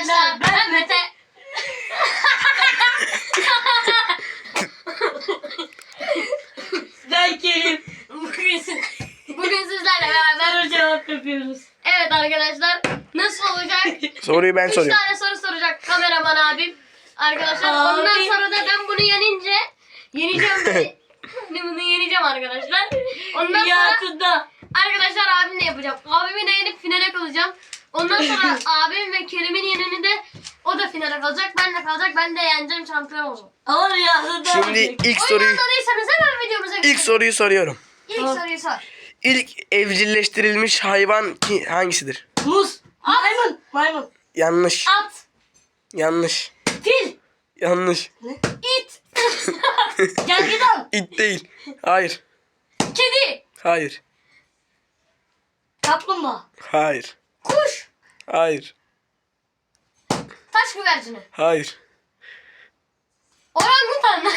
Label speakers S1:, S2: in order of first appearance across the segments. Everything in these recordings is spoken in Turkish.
S1: arkadaşlar ben Mete.
S2: Ben Kerim.
S1: Bugün sizlerle beraber
S2: Soru cevap yapıyoruz.
S1: evet arkadaşlar nasıl olacak?
S3: Soruyu ben
S1: 3
S3: soruyorum.
S1: tane soru soracak kameraman abim. Arkadaşlar
S2: Abi.
S1: ondan sonra da ben bunu yeneceğim. Bunu yeneceğim arkadaşlar. Ondan sonra
S2: Hayatında.
S1: arkadaşlar abimle yapacağım. Abimi de yenip finale kalacağım. Ondan sonra abim ve Kerim'in yenini de o da finale kalacak. Ben de kalacak. Ben de yeneceğim, şampiyon olacağım.
S2: Ama hayatında.
S3: Şimdi ilk
S1: Oyunu
S3: soruyu
S1: anladıysanız hemen videomuza geçelim.
S3: ilk soruyu soruyorum.
S1: İlk soruyu sor.
S3: İlk evcilleştirilmiş hayvan hangisidir?
S2: Muz. Maymun. Maymun.
S3: Yanlış.
S1: At.
S3: Yanlış.
S2: Fil.
S3: Yanlış.
S1: İt.
S2: Gergedan.
S3: İt değil. Hayır.
S1: Kedi.
S3: Hayır.
S2: Kaplumbağa.
S3: Hayır.
S1: Kuş.
S3: Hayır.
S1: Taş güvercini.
S3: Hayır.
S1: Orangutan.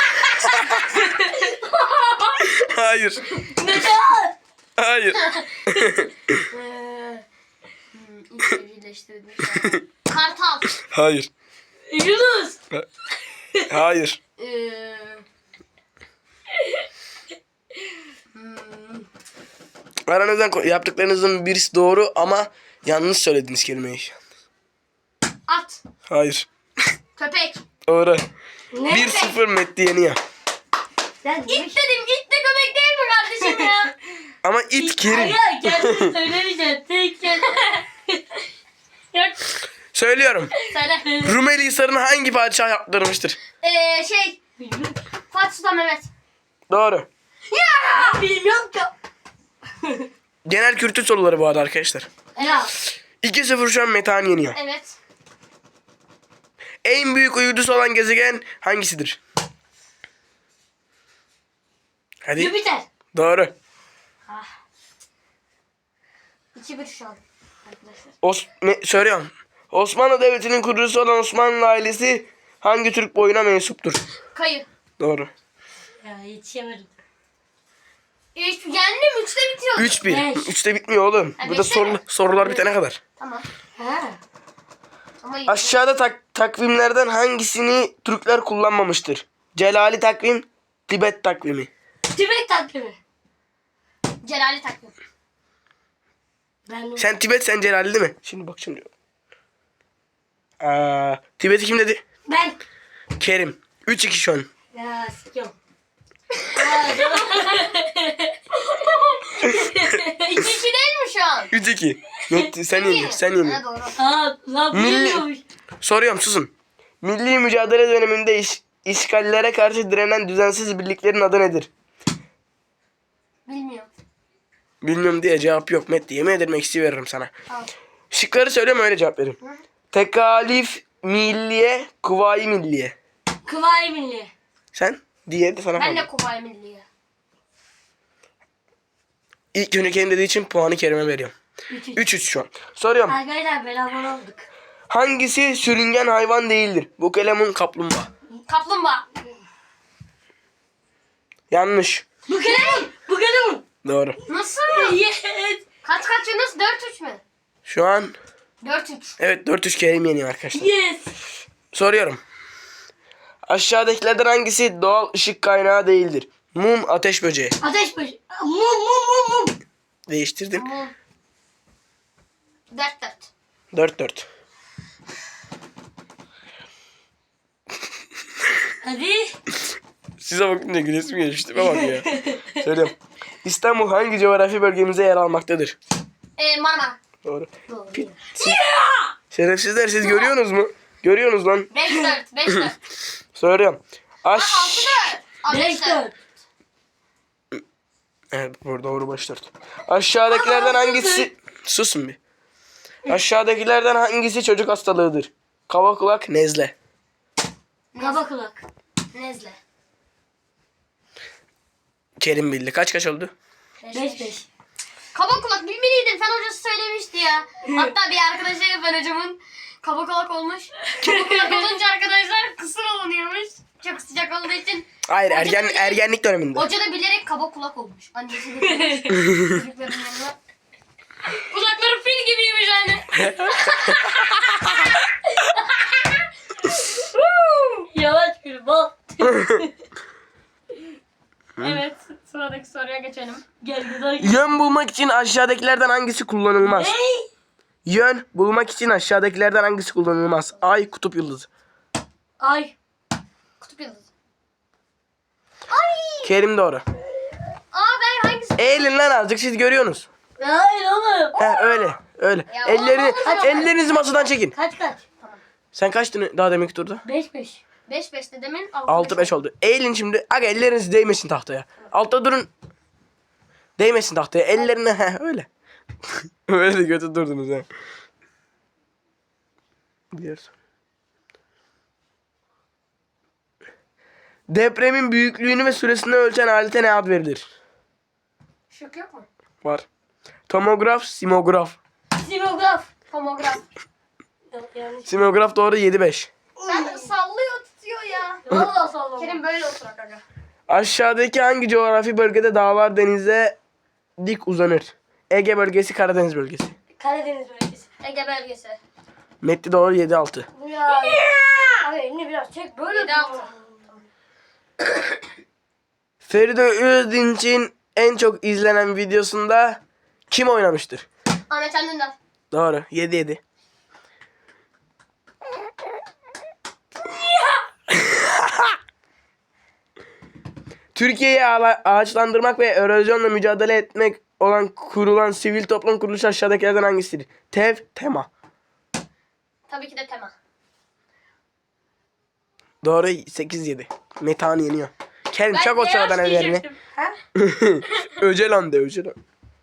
S3: Hayır.
S2: Neden?
S3: Hayır.
S1: İlk evcilleştirilmiş hayvan. Kartal.
S3: Hayır.
S2: Yunus.
S3: Hayır. Aranızdan yaptıklarınızın birisi doğru ama yanlış söylediniz kelimeyi.
S1: At.
S3: Hayır.
S1: Köpek.
S3: Doğru.
S2: Ne?
S3: 1-0 Metti yeniyor.
S2: Sen
S1: İt dedim. İt de köpek değil mi kardeşim ya?
S3: Ama it Kerim.
S2: Hayır kendini söylemeyeceksin. Tek kendini. Yok.
S3: Söylüyorum.
S1: Söyle.
S3: Rumeli Hisarı'nı hangi padişah yaptırmıştır?
S2: Bilmiyorum.
S1: Fatih Sultan Mehmet.
S3: Doğru.
S2: Bilmiyorum ki.
S3: Genel kültür soruları bu arada arkadaşlar.
S2: Ya.
S3: 2-0 şu an Metehan yeniyor.
S1: Evet.
S3: En büyük uydusu olan gezegen hangisidir? Hadi.
S2: Jüpiter.
S3: Doğru.
S1: 2-1 şu an. Arkadaşlar.
S3: Söylüyorum. Osmanlı Devleti'nin kurucusu olan Osmanlı ailesi hangi Türk boyuna mensuptur?
S1: Kayı.
S3: Doğru.
S2: Ya yetişemedim.
S1: Yendim. 3'te bitiyor.
S3: 3-1.
S2: Beş.
S3: 3'te bitmiyor oğlum.
S1: Ha,
S3: Burada
S1: beşte mi?
S3: sorular bitene kadar.
S1: Tamam.
S2: Ha.
S1: Ama iyi.
S3: Aşağıda takvimlerden hangisini Türkler kullanmamıştır? Celali takvim, Tibet takvimi.
S2: Tibet takvimi.
S1: Celali takvim.
S2: Ben
S3: Sen Tibet, sen Celali değil mi? Şimdi bak şimdi. Tibet'i kim dedi?
S2: Ben.
S3: Kerim. 3-2 şu an.
S2: Ya sikiyorum.
S1: 2-2 değil mi şu an?
S3: 3-2. Metti, sen yeniyorsun, sen
S1: Ha,
S3: yeniyorsun.
S1: doğru.
S2: Aa, lan bilmiyormuş.
S3: Soruyorum, susun. Milli mücadele döneminde işgallere karşı direnen düzensiz birliklerin adı nedir?
S1: Bilmiyorum.
S3: Bilmiyorum diye cevap yok Metti. Yemin ederim eksi veririm sana.
S1: Tamam.
S3: Şıkları söyleme öyle cevap verin.
S1: Hı.
S3: Tekalif milliye, kuvayi milliye.
S2: Kıvay Milli.
S3: Sen? Diye de sana
S1: Ben de
S3: kaldı.
S1: Kuvayi Milliye.
S3: İlk önce kendi dediği için puanı Kerim'e veriyorum.
S2: 3-3.
S3: 3-3 şu an. Soruyorum.
S2: Arkadaşlar beraber olduk.
S3: Hangisi sürüngen hayvan değildir? Bu kalemun kaplumbağa.
S1: Kaplumbağa.
S3: Yanlış.
S2: Bu kadar mı? Bu kadar mı?
S3: Doğru.
S1: Nasıl?
S2: Yes.
S1: Kaç Yunus? 4-3 mü?
S3: Şu an
S1: 4-3.
S3: evet 4-3 Kerim yeniyor arkadaşlar.
S2: Yes.
S3: Soruyorum. Aşağıdakilerden hangisi doğal ışık kaynağı değildir? Mum, ateş böceği.
S2: Ateş başı. Mum.
S3: Değiştirdim.
S1: Mum. 4-4.
S3: 4-4.
S2: Hadi.
S3: Size bakınca gülesim gelişti. Bak ya. Söylüyorum. İstanbul hangi coğrafi bölgemize yer almaktadır?
S1: Marmara.
S3: Doğru.
S2: Doğru.
S3: Şerefsizler siz görüyorsunuz mu? Görüyorsunuz lan.
S1: 5-4. 5-4.
S3: Soruyorum.
S1: 6-4.
S2: 5-4.
S3: Evet doğru başlar. Aşağıdakilerden hangisi... Susun bir. Aşağıdakilerden hangisi çocuk hastalığıdır? Kaba kulak, nezle.
S2: Kaba kulak.
S1: Nezle.
S3: Kerim bildi. Kaç oldu?
S2: 5-5.
S1: Kaba kulak bilmeliydin. Fen hocası söylemişti ya. Hatta bir arkadaşa fen hocamın kaba kulak olmuş. Kaba kulak olunca arkadaşlar kısır olunuyormuş. Çok sıcak olduğu için.
S3: Hayır
S1: Hoca da
S3: ergenlik döneminde.
S1: Hoca da bilerek kaba kulak olmuş. Annesi de çocukların yanına. Kulakları fil gibiymiş anne. Evet. Sıradaki soruya geçelim.
S2: Gel güzel.
S3: Yön bulmak için aşağıdakilerden hangisi kullanılmaz?
S2: Hey.
S3: Yön bulmak için aşağıdakilerden hangisi kullanılmaz? Ay, kutup yıldızı.
S2: Ay.
S1: Kutup yıldızı.
S3: Kerim doğru.
S1: Ben hangisi?
S3: Eğilin lan azıcık, siz görüyorsunuz.
S2: Hayır oğlum.
S3: He, öyle öyle.
S1: Ya
S3: Ellerinizi masadan çekin.
S2: Kaç kaç?
S3: Sen kaçtın daha deminki turda?
S2: 5-5.
S1: 5-5'te demin
S3: 6-5 oldu. Eğilin şimdi. Aga elleriniz değmesin tahtaya. Altta durun. Değmesin tahtaya. Ellerine öyle. Öyle de kötü durdunuz ha. Diğer soru. Depremin büyüklüğünü ve süresini ölçen alete ne ad verilir?
S1: Şık yok mu?
S3: Var. Tomograf, simograf.
S2: Simograf.
S1: Tomograf.
S2: Yok yanlış.
S3: Simograf doğru 7-5.
S1: Sen sallıyor tutuyor ya.
S2: Valla sallama.
S1: Kerim böyle oturak aga.
S3: Aşağıdaki hangi coğrafi bölgede dağlar denize dik uzanır? Ege bölgesi, Karadeniz bölgesi.
S2: Karadeniz bölgesi.
S1: Ege belgesi.
S3: Metti doğru 7-6.
S2: Bu ya. Abi elini biraz çek böyle.
S1: 7-6.
S3: Feride Özdinç'in en çok izlenen videosunda kim oynamıştır?
S1: Ahmet Can Dündar.
S3: Doğru 7-7. Türkiye'yi ağaçlandırmak ve erozyonla mücadele etmek olan kurulan sivil toplum kuruluşu aşağıdakilerden hangisidir? TEV, TEMA.
S1: Tabii ki de Tema.
S3: Doğru 8-7. Metehan yeniyor. Kerim çak o sıradan ellerini.
S1: diyecektim.
S2: Ha?
S3: Öcelan de Öcelan.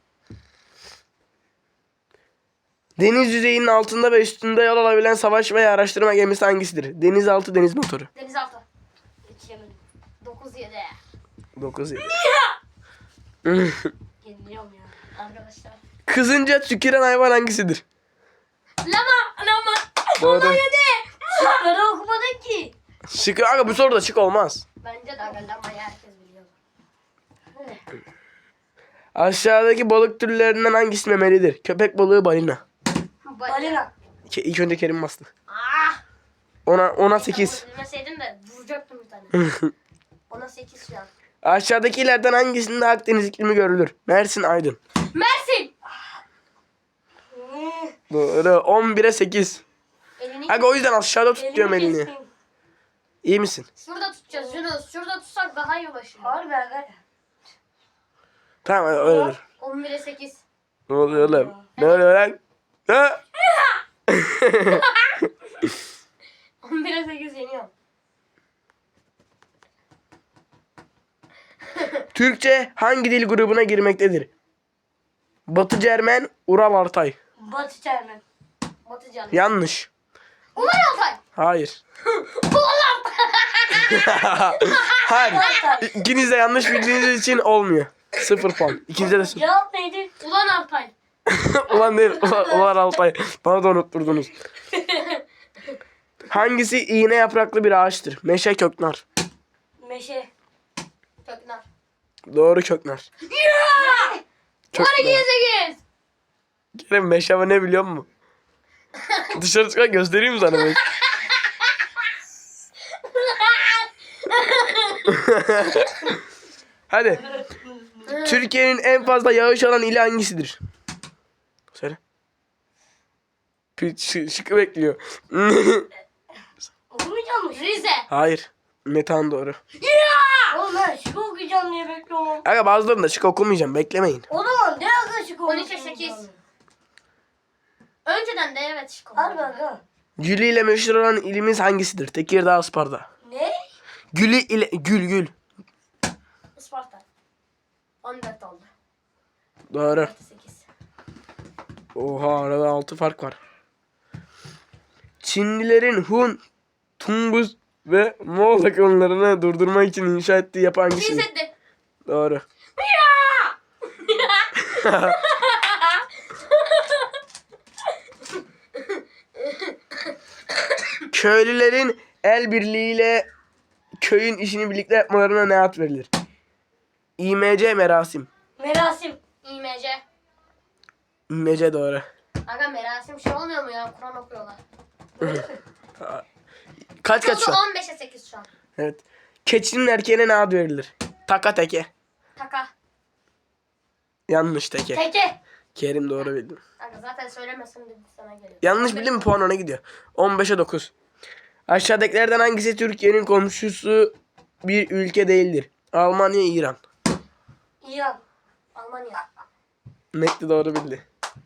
S3: Deniz yüzeyinin altında ve üstünde yol alabilen savaş veya araştırma gemisi hangisidir? Denizaltı deniz motoru.
S1: Denizaltı.
S2: Yetişemedim.
S1: 9-7.
S3: 9-7.
S2: Yeniliyorum ya.
S1: Arkadaşlar.
S3: Kızınca tüküren hayvan hangisidir?
S1: Lama.
S3: Doğru.
S2: Şıkları okumadın ki.
S3: Şık, aga bu soruda şık olmaz.
S1: Bence de aga lamayı herkes biliyor.
S3: Aşağıdaki balık türlerinden hangisi memelidir? Köpek balığı, balina.
S2: Balina.
S3: İlk önce Kerim bastı.
S1: Ah.
S3: Ona 8.
S1: Bilmeseydim de vuracaktım bir tane. Ona 8 şu an.
S3: Aşağıdakilerden hangisinde Akdeniz iklimi görülür? Mersin, Aydın.
S1: Mersin.
S3: Doğru 11'e 8.
S1: Elini
S3: Aga o yüzden aşağıda tut diyorum elini.
S2: kestim.
S3: İyi misin?
S1: şurada tutacağız Yunus. Şurada tutsak daha iyi ulaşıyor.
S2: Harbi aga.
S3: Tamam öyle dur.
S1: 11'e 8.
S3: Ne oluyor oğlum? Ne oluyor lan? Ha?
S1: 11'e 8 yeniyorum.
S3: Türkçe hangi dil grubuna girmektedir? Batı Cermen, Ural Altay.
S2: Batı Çermen.
S1: Batıcan.
S3: Yanlış.
S1: Ulan Altay.
S3: Hayır.
S1: Ulan
S3: Hayır. İkiniz de yanlış bildiğiniz için olmuyor. 0 puan. İkinize de 0.
S2: Cevap neydi?
S1: Ulan Altay.
S3: Ulan değil. Ulan Altay. Bana da unutturdunuz. Hangisi iğne yapraklı bir ağaçtır? Meşe, köknar.
S2: Meşe.
S1: Köknar.
S3: Doğru, köknar.
S1: Ulan
S3: Köknar.
S1: 2'ye 8.
S3: Kerem meşe ama ne biliyor musun? Dışarı çıkan göstereyim mi sana? Hadi. Türkiye'nin en fazla yağış alan ili hangisidir? Söyle. Şıkkı bekliyor.
S2: Okumayacağım mı?
S1: Rize.
S3: Hayır. Metan doğru.
S2: Oğlum ben şık okuyacağım diye bekliyorum.
S3: Aga bazılarında şık okumayacağım. Beklemeyin.
S2: O zaman ne aga şık
S1: 12'e 8. Önceden de evet şık oldu.
S2: Harbi aga.
S3: Gülü ile meşhur olan ilimiz hangisidir? Tekirdağ, Isparta.
S2: Ne?
S3: Gülü ile gül.
S1: Isparta. 14 oldu.
S3: Doğru.
S1: 8.
S3: Oha arada 6 fark var. Çinlilerin Hun, Tungus ve Moğol akımlarını durdurmak için inşa ettiği yapı hangisidir?
S1: Seddi.
S3: Doğru. Köylülerin el birliğiyle köyün işini birlikte yapmalarına ne ad verilir? İMC, merasim.
S2: Merasim.
S1: İMC.
S3: İMC doğru.
S1: Aga merasim şey olmuyor mu ya? Kur'an okuyorlar.
S3: Kaç
S1: Oldu
S3: şu an?
S1: 15'e 8 şu an.
S3: Evet. Keçinin erkeğine ne ad verilir? Taka teke.
S1: Taka.
S3: Yanlış teke.
S2: Teke.
S3: Kerim doğru bildim.
S1: Kanka zaten söylemesin dedi sana geliyor.
S3: Yanlış bildim mi puan ona gidiyor. 15'e 9. Aşağıdakilerden hangisi Türkiye'nin komşusu bir ülke değildir? Almanya, İran.
S2: İran.
S1: Almanya.
S3: Mekli doğru bildi.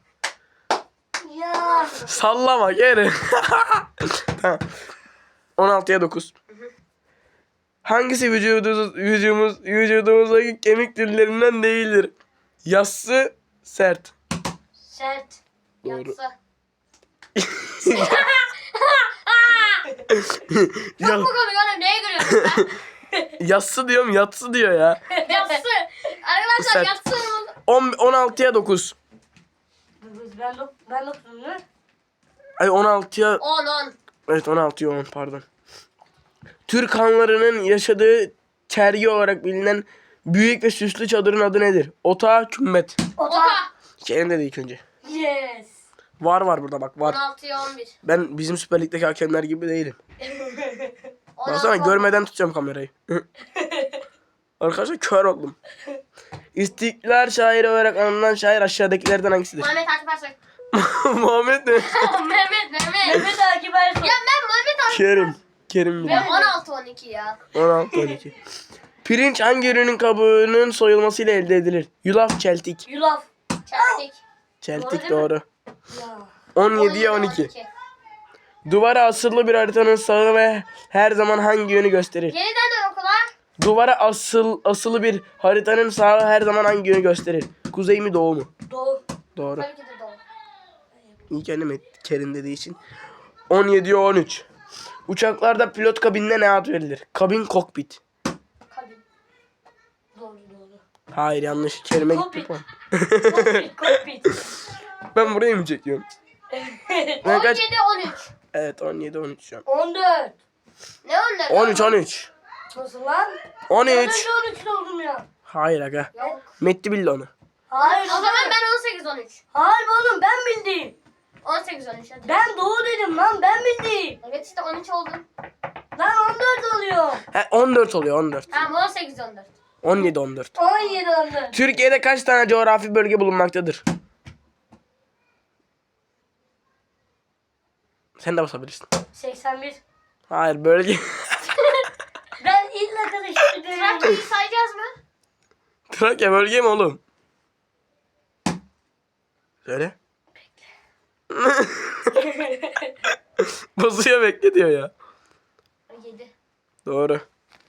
S2: Ya.
S3: Sallama geri. Tamam. 16'ya 9. Hangisi vücudumuzdaki kemik türlerinden değildir? Yassı, sert.
S2: Sert.
S3: Doğru.
S1: Yatsı.
S3: Ya,
S1: Çok mu komik oğlum? Neye gülüyorsun sen?
S3: yassı diyorum, yatsı diyor ya.
S1: Yatsı. Arkadaşlar
S3: Sert.
S1: yatsı.
S3: 16'ya 9.
S2: Ben dokuzum değil mi?
S3: Ay 16'ya
S1: 10.
S3: evet 16'ya 10 pardon. Türk hanlarının yaşadığı çergi olarak bilinen büyük ve süslü çadırın adı nedir? Otağı, kümbet.
S2: Ota.
S3: Kerim dedi ilk önce.
S2: Yes.
S3: Var burada bak var.
S1: 16'ya 11.
S3: Ben bizim Süper Lig'deki hakemler gibi değilim.
S1: 16,
S3: Baksana görmeden tutacağım kamerayı. Arkadaşlar kör oldum. İstiklal şairi olarak anılan şair aşağıdakilerden hangisidir?
S1: Mehmet Akif Ersoy.
S3: Muhammed mi?
S1: Mehmet.
S2: Mehmet Akif Ersoy.
S1: Ya ben Mehmet Akif.
S3: Kerim
S1: Ben
S3: bildi.
S1: 16-12 ya.
S3: 16-12. Pirinç hangi ürünün kabuğunun soyulmasıyla elde edilir? Yulaf, çeltik.
S2: Yulaf.
S1: Çeltik.
S3: Çeltik
S2: Doğru
S3: doğru.
S2: Ya.
S3: 17'ye 12. Duvara asılı bir haritanın sağı ve her zaman hangi yönü gösterir?
S1: Yeniden de okula.
S3: Duvara asılı bir haritanın sağı her zaman hangi yönü gösterir? Kuzey mi doğu mu?
S2: Doğu.
S3: Doğru.
S1: Tabii ki de doğru.
S3: İlk annem Kerim dediği için. 17'ye 13. Uçaklarda pilot kabinine ne ad verilir? Kabin kokpit.
S1: Kabin.
S2: Doğru.
S3: Hayır yanlış. Kerim'e gitti
S2: Kokpit.
S3: puan.
S2: Kokpit.
S3: Ben burayı mı çekiyorum? Ben kaç?
S1: 17-13.
S3: Evet 17-13 şu an.
S2: 14.
S1: Ne onlar?
S3: 13-13.
S2: Nasıl lan?
S3: 13.
S2: Ben önce 13 oldum ya.
S3: Hayır aga.
S1: Yok.
S3: Metti bildi onu.
S2: Hayır.
S1: O zaman ben 18-13.
S2: Hayır oğlum ben bildim.
S1: 18-13 hadi.
S2: Ben doğu dedim lan ben bildim.
S1: Evet işte 13 oldun.
S2: Lan 14 oluyor.
S3: He 14 oluyor 14.
S1: Tamam 18-14.
S3: 17-14.
S2: 17 oldu.
S3: Türkiye'de kaç tane coğrafi bölge bulunmaktadır? Sen de basabilirsin.
S2: 81.
S3: Hayır bölge.
S2: Ben illa karıştırdım.
S1: Trakya'yı sayacağız mı?
S3: Trakya bölge mi oğlum? Söyle. Basıyor bekle diyor ya.
S1: 7.
S3: Doğru.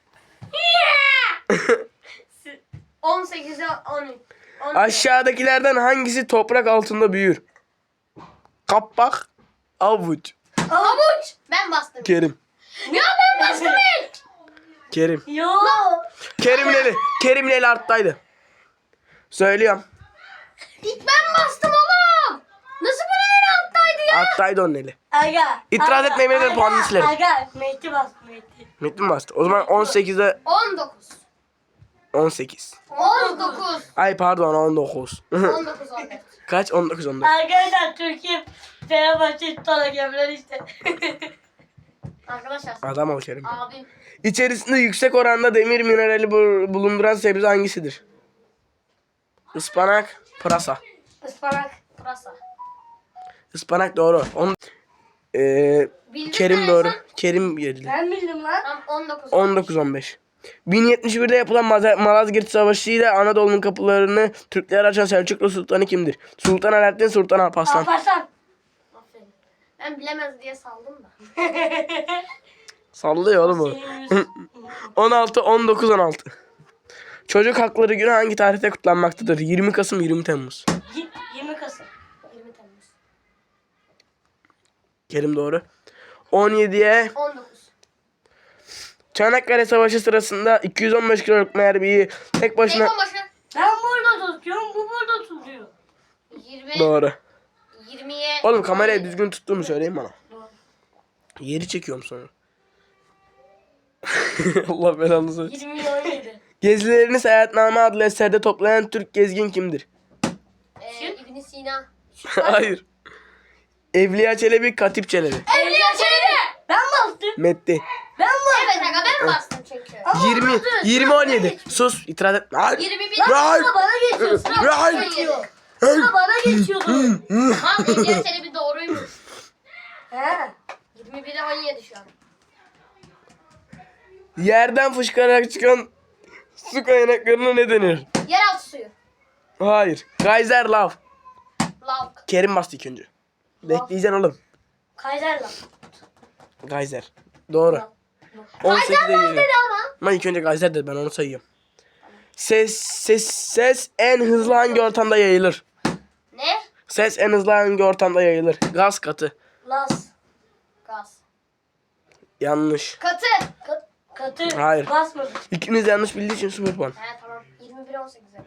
S1: 18'e 13.
S3: Aşağıdakilerden hangisi toprak altında büyür? Kapak, avuç.
S1: Avuç. Ben bastım.
S3: Kerim.
S1: Ya ben bastım ilk.
S3: Kerim.
S2: Yo.
S3: Kerim'le eli arttaydı. Söylüyorum.
S1: İlk ben bastım oğlum. Nasıl bunun en alttaydı ya?
S3: Arttaydı onun eli.
S2: Aga.
S3: İtiraz
S2: aga,
S3: etmeyin, benim
S2: aga,
S3: puanını silerim.
S2: Aga. Mehdi bastı Mehdi.
S3: Metin mi bastı? O zaman 18'e
S1: 19.
S3: 18.
S1: 19.
S3: Ay pardon 19.
S1: 19 14.
S3: Kaç? 19 14.
S2: Arkadaşlar Türkiye Fenerbahçe tutan hakemler işte.
S1: Arkadaşlar.
S3: Adam ol Kerim.
S1: Abim.
S3: İçerisinde yüksek oranda demir minerali bulunduran sebze hangisidir? Ispanak, pırasa.
S2: Ispanak.
S1: Pırasa.
S3: Ispanak doğru.
S1: Bildin
S3: Kerim
S1: mi
S3: doğru.
S1: sen?
S3: Kerim geldi.
S2: Ben bildim lan.
S1: Tamam 19.
S3: 19-15. 1071'de yapılan Malazgirt Savaşı ile Anadolu'nun kapılarını Türklere açan Selçuklu Sultanı kimdir? Sultan Alaaddin, Sultan Alparslan.
S2: Alparslan.
S1: Aferin. Ben bilemez diye saldım da.
S3: Sallıyor oğlum o.
S2: Senin yüzün.
S3: 16, 19, 16. Çocuk Hakları Günü hangi tarihte kutlanmaktadır? 20 Kasım, 20 Temmuz.
S2: 20 Kasım.
S1: 20 Temmuz.
S3: Kerim doğru. 17'ye
S1: 19.
S3: Çanakkale Savaşı sırasında 215 kiloluk mermiyi tek başına...
S1: Telefon başı.
S2: Ben burada tutuyorum, bu burada tutuyor.
S1: 20.
S3: Doğru.
S1: 20'ye.
S3: Oğlum kamerayı düzgün tuttuğumu söyleyin bana. Yeri çekiyorum sonra. Allah belanı versin.
S2: 20 17.
S3: Gezilerini Seyahatname adlı eserde toplayan Türk gezgin kimdir?
S1: İbn Sina.
S3: Hayır. Evliya Çelebi, Katip Çelebi.
S1: Evliya Çelebi.
S2: Ben bastım.
S3: Metti.
S2: Ben bastım.
S1: Evet aga ben bastım çünkü.
S3: 20 17. Sus, itiraz etme. Hayır.
S1: 21.
S3: Hayır.
S2: Sıra bana geçiyor. Sıra bana
S3: Hayır.
S2: geçiyor. Sıra bana geçiyordu.
S1: Mal İlker Çelebi doğruymuş.
S2: He.
S1: 21'e 17 şu an.
S3: Yerden fışkırarak çıkan su kaynaklarına ne denir?
S1: Yeraltı suyu.
S3: Hayır. Geyser lav.
S1: Lav.
S3: Kerim bastı ilk önce. Bekleyeceksin oğlum.
S2: Kayser'la.
S3: Geyser. Doğru.
S2: Lav.
S3: 18'de
S1: Lav
S3: geliyor.
S1: dedi ama.
S3: Ama ilk önce geyser dedi, ben onu sayıyorum. Ses en hızlı hangi ortamda yayılır?
S1: Ne?
S3: Ses en hızlı hangi ortamda yayılır? Gaz katı.
S2: Las.
S1: Gaz.
S3: Yanlış.
S1: Katı.
S2: Katı.
S3: Hayır.
S2: Basmadı.
S3: İkiniz yanlış bildiği için 0 puan.
S1: He tamam. 21'e 18 yapıyor.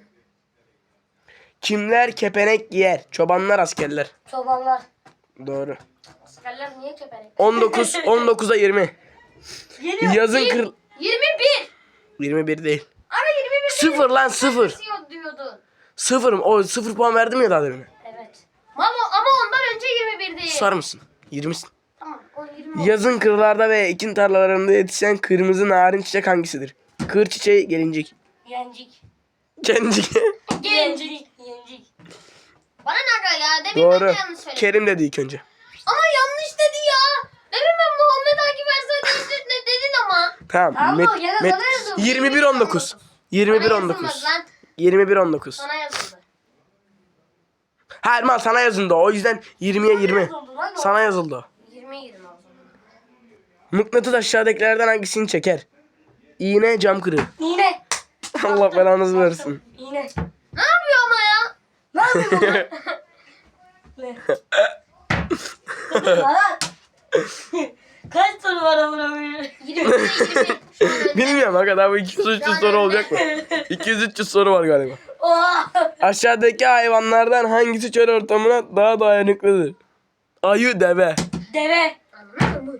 S3: Kimler kepenek giyer? Çobanlar, askerler.
S2: Çobanlar.
S3: Doğru.
S1: Askerler niye keperek?
S3: 19'a 20.
S2: Geliyor.
S3: Yazın kır...
S1: 21.
S3: 21 değil.
S1: Ama 21
S3: 0 lan 0.
S1: diyor diyordun.
S3: 0 o 0 puan verdim ya daha demin.
S2: Evet.
S1: Ama ondan önce 21 değil.
S3: Susar mısın? 20'sin.
S1: Tamam o 20
S3: Yazın kırlarda ve ekin tarlalarında yetişen kırmızı narin çiçek hangisidir? Kır çiçeği, gelincik.
S2: Yencik.
S3: Gencik.
S2: Yencik. Yencik.
S1: Bana ne aga ya? Demin
S3: Doğru.
S1: ben de yanlış söyledim.
S3: Kerim dedi ilk önce.
S1: Ama yanlış dedi ya. Demin ben Muhammed Akif Ersoy değiştir ne dedin ama.
S3: Tamam.
S2: Tamam, gene sana yazıldı.
S3: 21 19. 21
S1: Sana
S3: 19.
S1: yazılmaz lan.
S3: 21 19.
S1: Sana yazıldı.
S3: Hayır mal sana yazıldı o yüzden 20'ye 20.
S2: yazıldı lan o?
S3: Sana yazıldı o.
S1: 20 o zaman.
S3: Mıknatıs aşağıdakilerden hangisini çeker? İğne, cam kırığı.
S2: İğne.
S3: Allah belanızı versin.
S2: İğne.
S1: Ne yapıyor ama ya?
S2: Ne yapıyorsun lan? Ne? Lan. Kaç soru var amına koyayım?
S1: 20'de 20. Şu an önde.
S3: Bilmiyorum ha kadar bu 200-300 soru olacak mı? 200-300 soru var galiba.
S2: Oha.
S3: Aşağıdaki hayvanlardan hangisi çöl ortamına daha dayanıklıdır? Ayı, deve.
S2: Deve.
S1: Anladın mı?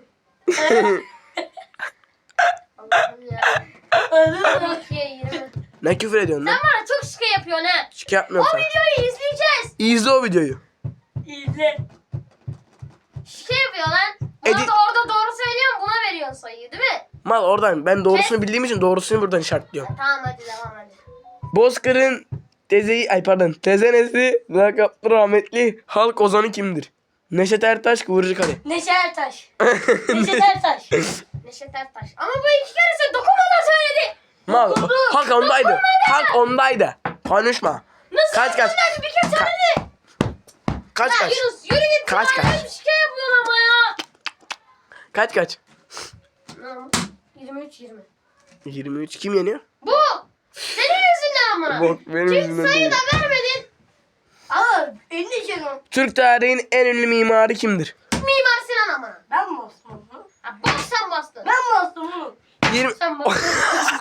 S1: Allah'ım ya.
S2: Anladın mı?
S1: 12'ye 20.
S3: Ne küfür ediyorsun lan?
S1: Sen bana çok şık yapıyorsun ha.
S3: Şike yapmıyorum
S1: O
S3: sana.
S1: videoyu izleyeceğiz.
S3: İzle o videoyu.
S2: İzle.
S1: Şike yapıyor lan. Buna
S3: Edit-
S1: da orada doğru söylüyorum buna veriyorsun sayıyı değil mi?
S3: Mal oradan ben doğrusunu bildiğim için doğrusunu buradan işaretliyorum.
S1: Tamam hadi devam hadi.
S3: Bozkır'ın tezenesi lakaplı rahmetli halk ozanı kimdir? Neşet Ertaş, Kıvırcık Ali.
S2: Neşe Ertaş. Neşe Ertaş.
S1: Neşet Ertaş. Ama bu iki keresi dokunmadan söyledi.
S3: Mal hak ondaydı. Hak ondaydı. Konuşma.
S1: Nasıl
S3: Kaç, kaç.
S1: dokunmadan bir kere söyledi.
S3: Kaç
S1: Ya
S3: kaç?
S1: Yunus yürü git.
S3: Kaç,
S1: ya.
S3: kaç?
S1: Bir şike yapıyorsun ama ya.
S3: Kaç?
S1: Tamam. 23-20.
S3: 23 kim yeniyor?
S1: Bu. Senin yüzünden ama.
S3: Bak benim
S1: Çünkü
S3: yüzümden
S1: sayı
S3: değil.
S1: da vermedin.
S2: Ama elini canım.
S3: Türk tarihinin en ünlü mimarı kimdir?
S1: Mimar Sinan ama.
S2: Ben mi bastım onu?
S1: Ha, bak sen bastın.
S2: Ben mi bastım onu?
S3: 20
S1: Sen bastın.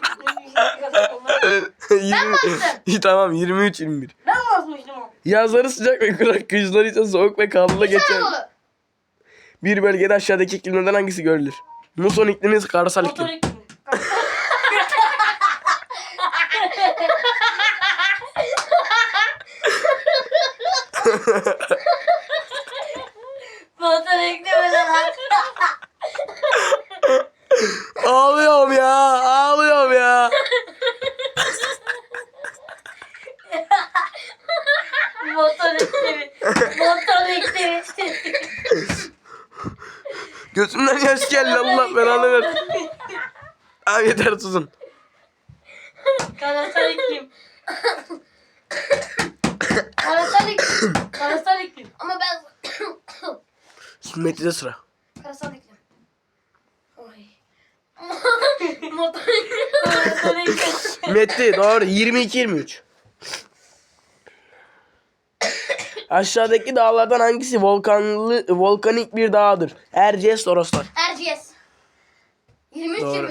S3: 20
S1: bastım.
S3: Tamam 23 21.
S2: Ben mi basmıştım o?
S3: Yazları sıcak ve kurak, kışları ise soğuk ve karlı geçer.
S1: Anadolu.
S3: Bir bölgede aşağıdaki iklimlerden hangisi görülür? Muson iklimi, karasal
S2: Motor
S3: iklim.
S2: iklimi. Motor iklimi lan.
S3: Ağlıyorum ya, ağlıyorum ya.
S2: Motor iklimi. Motor iklimi.
S3: Gözümden yaş geldi, Allah belanı ver. Abi yeter susun.
S2: Karasal iklim. Karasal iklim. Karasal iklim.
S1: Ama ben...
S3: Metin'de sıra.
S1: Karasal iklim. Oy. Motor
S2: Karasal iklim.
S3: Metti doğru 22-23. Aşağıdaki dağlardan hangisi volkanik bir dağdır? Erciyes, Toroslar.
S1: Erciyes. 23-23.
S3: Doğru.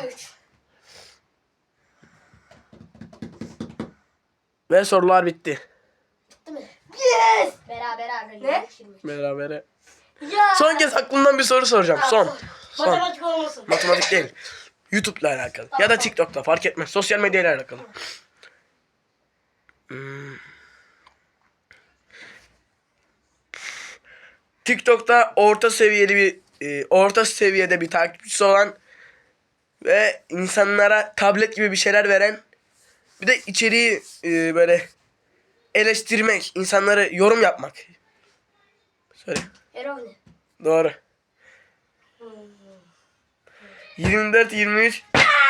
S3: Ve sorular bitti.
S1: Değil mi?
S2: Yes.
S1: Beraber abi.
S2: Ne?
S1: 23-23.
S3: Berabere.
S2: Ya.
S3: Son kez aklımdan bir soru soracağım. Son.
S2: Matematik olmasın.
S3: Matematik değil. YouTube'la alakalı. Ya da TikTok'ta fark etmez. Sosyal medyayla alakalı. TikTok'ta orta seviyede bir takipçisi olan ve insanlara tablet gibi bir şeyler veren, bir de içeriği böyle eleştirmek, insanları yorum yapmak. Söyle.
S1: Eroğlu.
S3: Doğru. 24-23.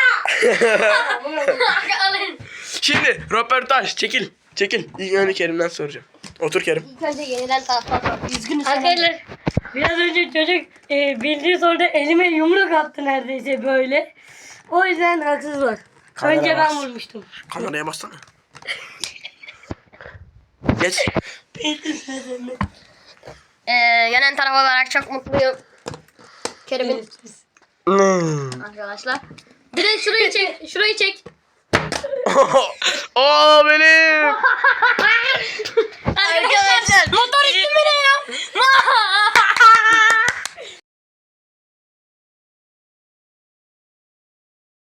S1: Alın.
S3: Şimdi röportaj çekil. Çekil. İlk önce Kerim'den soracağım. Otur Kerim.
S1: İlk önce yeniden taraftan. Üzgünüz.
S2: Arkadaşlar biraz önce çocuk bildiği soruda elime yumruk attı neredeyse böyle. O yüzden haksız var.
S3: Kamera
S2: Önce
S3: bas.
S2: ben vurmuştum.
S3: Kameraya bassana. Geç.
S1: Yenen taraf olarak çok mutluyum. Kerim'in arkadaşlar. Bir de şurayı çek. Şurayı çek.
S3: Oo benim.
S1: Arkadaşlar. Motor ismi ne ya?